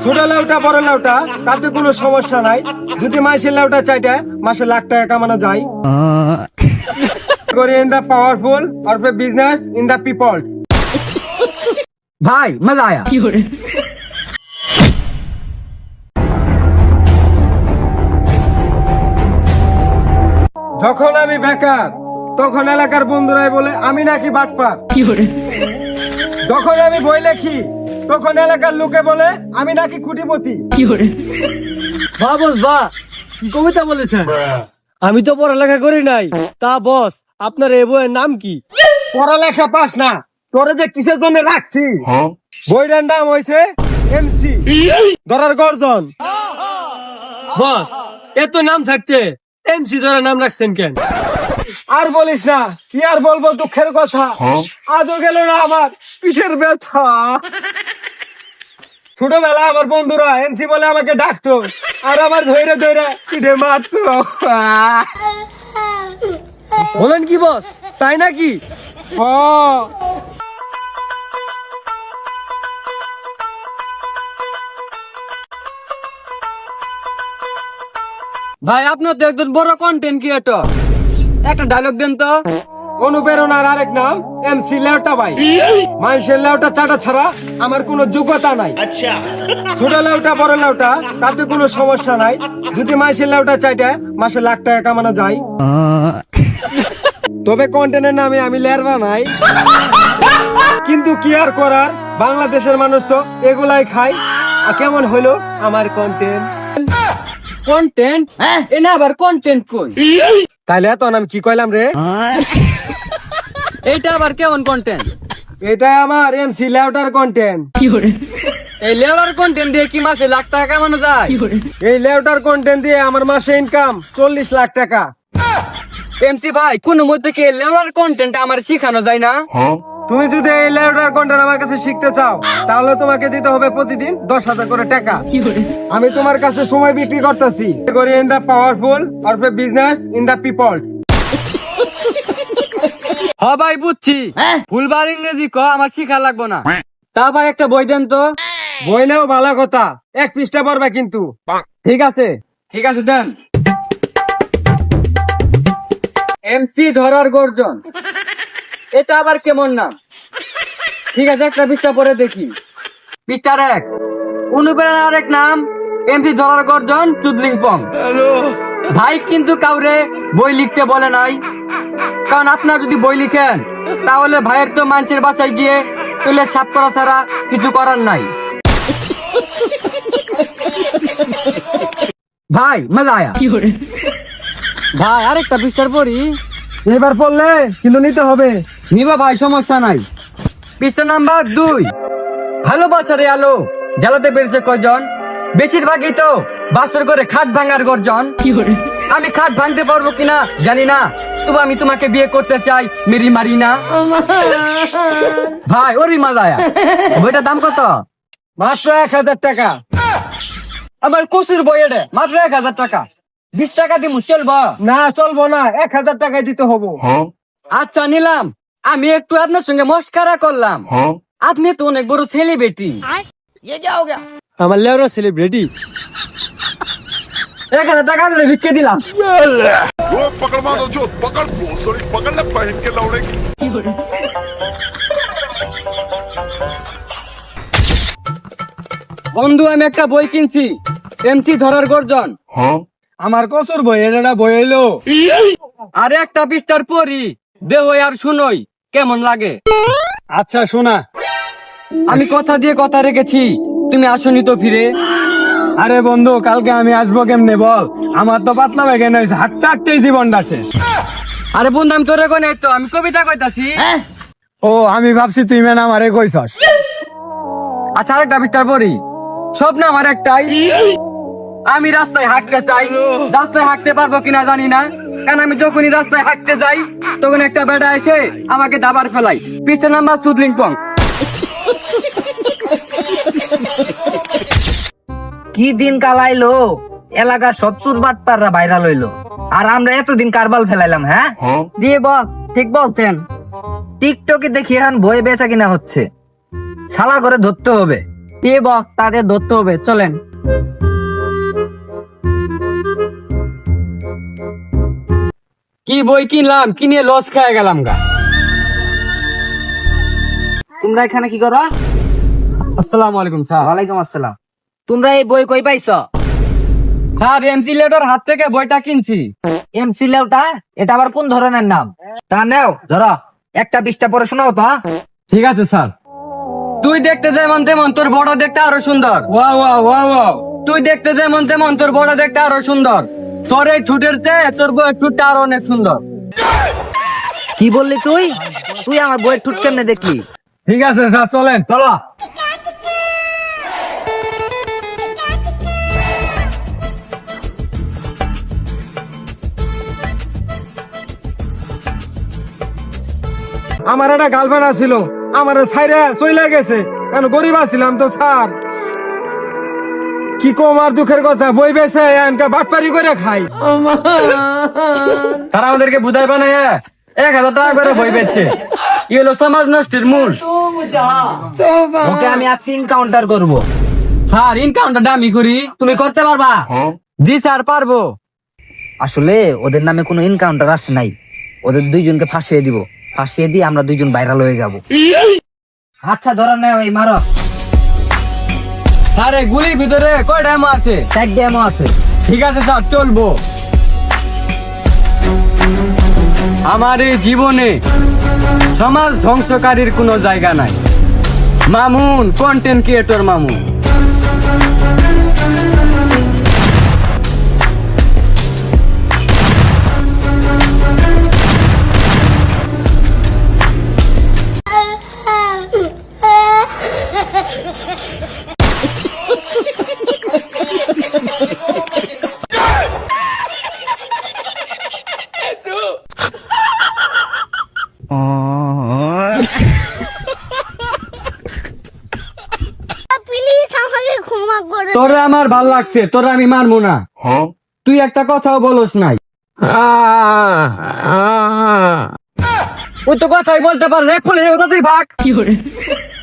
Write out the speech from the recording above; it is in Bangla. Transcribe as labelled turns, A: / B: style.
A: ছোট লেউটা বড় লেউটা তাতে কোনো সমস্যা নাই। যদি মাসের লেউটা চাইটা মাসে লাখ টাকা কামানো যায়। করি in the powerful or for business in the people.
B: ভাই মজা আয়া।
A: যখন আমি বেকার তখন এলাকার বন্ধুরাই বলে আমি নাকি বাটপার। যখন আমি বই লেখি তখন এলাকার লোকে বলে আমি নাকি কুটিপতি।
C: বা বস বা কি কবিতা বলেছেন? আমি তো পড়ালেখা করি নাই। তা বস আপনার এই বইয়ের নাম কি?
A: পড়ালেখা পাস না তোরে যে কিসের জন্য রাখছি। বইটার নাম হয়েছে এমসি ধরার গর্জন।
C: বস এত নাম থাকতে এমসি ধরে নাম রাখছেন কেন?
A: আর বলিস না, কি আর বলবো, দুঃখের কথা। আজও গেল না আমার পিঠের ব্যথা। ছোটবেলা আমার বন্ধুরা এমসি বলে আমাকে ডাকতো আর আমার ধৈরে ধৈরে পিঠে মারতো।
C: বলেন কি বস, তাই নাকি?
A: ও
B: ভাই আপনার তো একজন বড় কন্টেন্ট ক্রিয়েটর, একটা ডায়লগ দেন তো।
A: অনুপ্রেরণার আরেক নাম এমসি লেউটা ভাই। মানুষের লেউটা চাটা ছাড়া আমার কোনো যোগ্যতা নাই। ছোট লেউটা বড় লেউটা তাতে কোনো সমস্যা নাই। যদি মানুষের লেউটা চাইটা মাসে লাখ টাকা কামানো যায়। তবে কন্টেন্টের নামে আমি লেরবা নাই। কিন্তু কি আর করার, বাংলাদেশের মানুষ তো এগুলাই খায়। আর কেমন হইলো আমার কন্টেন্ট?
B: কন্টেন্ট এনা আবার কন্টেন্ট কই?
A: তাইলে তো আমি কি কইলাম রে?
B: এইটা আবার কেমন কন্টেন্ট?
A: এটা আমার এমসি লেউটার কন্টেন্ট।
B: এই লেওয়ার কন্টেন্ট দিয়ে কি মাসে লাখ টাকা কামানো যায়?
A: এই লেউটার কন্টেন্ট দিয়ে আমার মাসে ইনকাম 40 লাখ টাকা।
B: এমসি ভাই কোন মধ্যে কি লেওয়ার কন্টেন্ট আমার শিখানো যায় না?
A: তুমি যদি এই লেউটার কন্টেন্ট আমার কাছে শিখতে চাও তাহলে তোমাকে দিতে হবে প্রতিদিন 10,000 করে টাকা। আমি তোমার কাছে সময় বিক্রি করতেছি। করি in the powerful or for business in the people.
B: হ ভাই বুঝছি, ফুলবার ইংরেজি ক আমার শিখা লাগবো না। তা ভাই একটা বই দেন তো।
A: বই নাও ভালো কথা, 1 পৃষ্ঠা পড়বা কিন্তু।
B: ঠিক আছে ঠিক আছে দেন। এমসি ধরার গর্জন, এটা আবার কেমন নাম? ঠিক আছে একটা পৃষ্ঠা পরে দেখি। পৃষ্ঠার 1, অনুপ্রেরণার আরেক নাম এমসি ধরার গর্জন চুদলিং পং। ভাই কিন্তু কাউরে বই লিখতে বলে নাই, কারণ আপনারা যদি বই লিখেন তাহলে ভাইয়ের তো মানুষের বাসায় গিয়ে তুলে সাফ করা ছাড়া কিছু করার নাই। ভাই মজা আয়া। ভাই আরেকটা পৃষ্ঠার পড়ি।
A: এবার পড়লে কিন্তু নিতে হবে।
B: নিবা ভাই সমস্যা নাই। পৃষ্ঠা নাম্বার 2, ভালোবাসারে আলো জ্বালাতে পেরেছে কয়জন? বেশিরভাগই তো বাসর করে খাট ভাঙার গর্জন। আমি খাট ভাঙতে পারবো কিনা জানি না, তবু আমি তোমাকে বিয়ে করতে চাই মেরি মারিনা। ভাই ওরি মজা আয়া। বইটার দাম কত?
A: মাত্র 1,000 টাকা।
B: আমার কচুর বই এটা মাত্র 1,000 টাকা। 20 টাকা দিমু চলবা?
A: না চলবো না, 1,000 টাকায় দিতে হবো।
B: আচ্ছা নিলাম। আমি একটু আপনার সঙ্গে মস্কারা করলাম। আপনি তো অনেক বড় সেলিব্রিটি।
C: আমার লেওরা সেলিব্রিটি।
B: 1,000 টাকা ধরে ভিক্ষে দিলাম।
D: वो पकड़ मारो जो पकड़ भोसड़ी पकड़ ले पहन के लौड़े की।
B: বন্ধু আমি একটা বই কিনছি, এমসি ধরার গর্জন।
A: আমার কসুর বই, এটা বই এলো।
B: আর একটা পৃষ্ঠার পড়ি, দেহ আর শুনই কেমন লাগে।
A: আচ্ছা শোনা।
B: আমি কথা দিয়ে কথা রেখেছি, তুমি আসনি তো ফিরে।
A: আরে বন্ধু কালকে আমি আসবো কেমনে বল? আমার তো পাতলা বেগে নইছে, হাঁটতে হাঁটতেই জীবনটা শেষ।
B: আরে বন্ধু আমি তোরে কোনে তো আমি কবিতা কইতাছি।
A: ও আমি ভাবছি তুই মেন আমারে কইছস।
B: আচ্ছা আরেকটা পৃষ্ঠার পড়ি। স্বপ্ন আমার একটাই, আমি রাস্তায় হাঁটতে চাই। রাস্তায় হাঁটতে পারবো কিনা জানি না, কারণ আমি যখনই রাস্তায় হাঁটতে যাই তখন একটা বেটা এসে আমাকে দাবার ফেলাই। পৃষ্ঠা নাম্বার চুদলিং পং।
E: কি দিন কালাইলো, এলাকার সব চুর বাটপাররা ভাইরাল হইলো, আর আমরা এতদিন কারবাল ফেলাইলাম। হ্যাঁ
B: জি বল, ঠিক বলছেন।
E: টিকটকে দেখি এখন বই বেচা কিনা হচ্ছে, শালা করে ধরতে হবে।
B: এ বক তাদের ধরতে হবে, চলেন। কি বই কিনলাম, কিনে লস খেয়ে গেলাম গা।
E: তোমরা এখানে কি করো?
B: আসসালামু আলাইকুম স্যার।
E: ওয়ালাইকুম আসসালাম। তোমরা এই বই কই পাইছো?
B: স্যার এমসি লেটার হাত থেকে বইটা কিনছি।
E: এমসি লেউটা, এটা আবার কোন ধরনের নাম? তা নেও, ধরো একটা পৃষ্ঠা পড়ে শোনাও তো।
B: ঠিক আছে স্যার। তুই দেখতে যেমন তেমন, তোর বড় দেখতে আরো সুন্দর।
A: ওয়া ওয়া ওয়া ওয়া
B: তুই দেখতে যেমন তেমন, তোর বড় দেখতে আরো সুন্দর। তোর এই ঠুটের চেয়ে তোর বউয়ের ঠুটটা আরো অনেক সুন্দর।
E: কি বললি তুই? তুই আমার বইয়ের ঠুট কেমনে দেখলি?
A: ঠিক আছে স্যার, চলেন।
E: চলো।
A: আমার একটা গার্লফ্রেন্ড আছিল, আমার সাইরে চলে গেছে, কেন গরিব আছিলাম তো স্যার। কি কম আর দুঃখের কথা, বই বেছে এনকা বাটপারি করে খাই।
B: তারা আমাদেরকে বুঝাই বানায় 1000 টাকা করে বই বেচছে। ই হলো সমাজ নষ্টের মূল।
E: ওকে আমি আজকে এনকাউন্টার করব।
B: স্যার ইনকাউন্টারটা আমি করি।
E: তুমি করতে পারবা?
B: জি স্যার পারবো।
E: আসলে ওদের নামে কোনো এনকাউন্টার আসে নাই, ওদের দুইজনকে ফাঁসিয়ে দিব। ফাঁসিয়ে দিয়ে আমরা দুইজন ভাইরাল হয়ে যাব। আচ্ছা ধরো নেও, এই মারো।
B: স্যার এই গুলির ভিতরে কয়টা এমো আছে?
E: 4 ডেমো আছে।
B: ঠিক আছে স্যার, চলবো। আমার এই জীবনে সমাজ ধ্বংসকারীর কোনো জায়গা নাই। Mamun, content creator Mamun.
F: Please আমাকে ক্ষমা করে
B: তোরে আমার ভাল লাগছে, তোরে আমি মানবো না। তুই একটা কথাও বলস নাই। ওই তো কথাই বলতে পারে, তুই ভাগ।